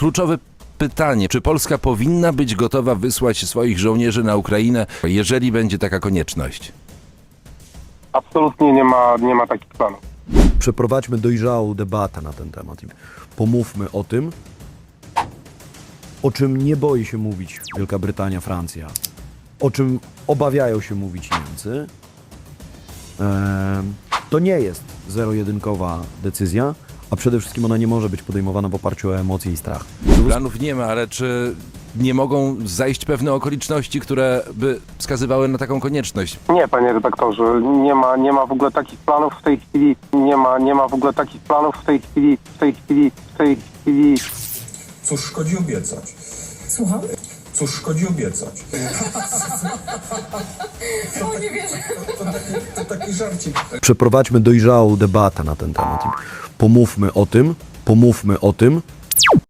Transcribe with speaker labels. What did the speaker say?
Speaker 1: Kluczowe pytanie, czy Polska powinna być gotowa wysłać swoich żołnierzy na Ukrainę, jeżeli będzie taka konieczność?
Speaker 2: Absolutnie nie ma takich planów.
Speaker 3: Przeprowadźmy dojrzałą debatę na ten temat i pomówmy o tym, o czym nie boi się mówić Wielka Brytania, Francja, o czym obawiają się mówić Niemcy. To nie jest zero-jedynkowa decyzja, a przede wszystkim ona nie może być podejmowana w oparciu o emocje i strach.
Speaker 1: Planów nie ma, ale czy nie mogą zajść pewne okoliczności, które by wskazywały na taką konieczność?
Speaker 2: Nie, panie redaktorze, nie ma w ogóle takich planów w tej chwili. Nie ma w ogóle takich planów w tej chwili.
Speaker 4: Cóż szkodzi obiecać?
Speaker 5: Słucham?
Speaker 4: Cóż szkodzi obiecać?
Speaker 5: O, nie wierzę.
Speaker 4: To taki żarcik.
Speaker 3: Przeprowadźmy dojrzałą debatę na ten temat i pomówmy o tym,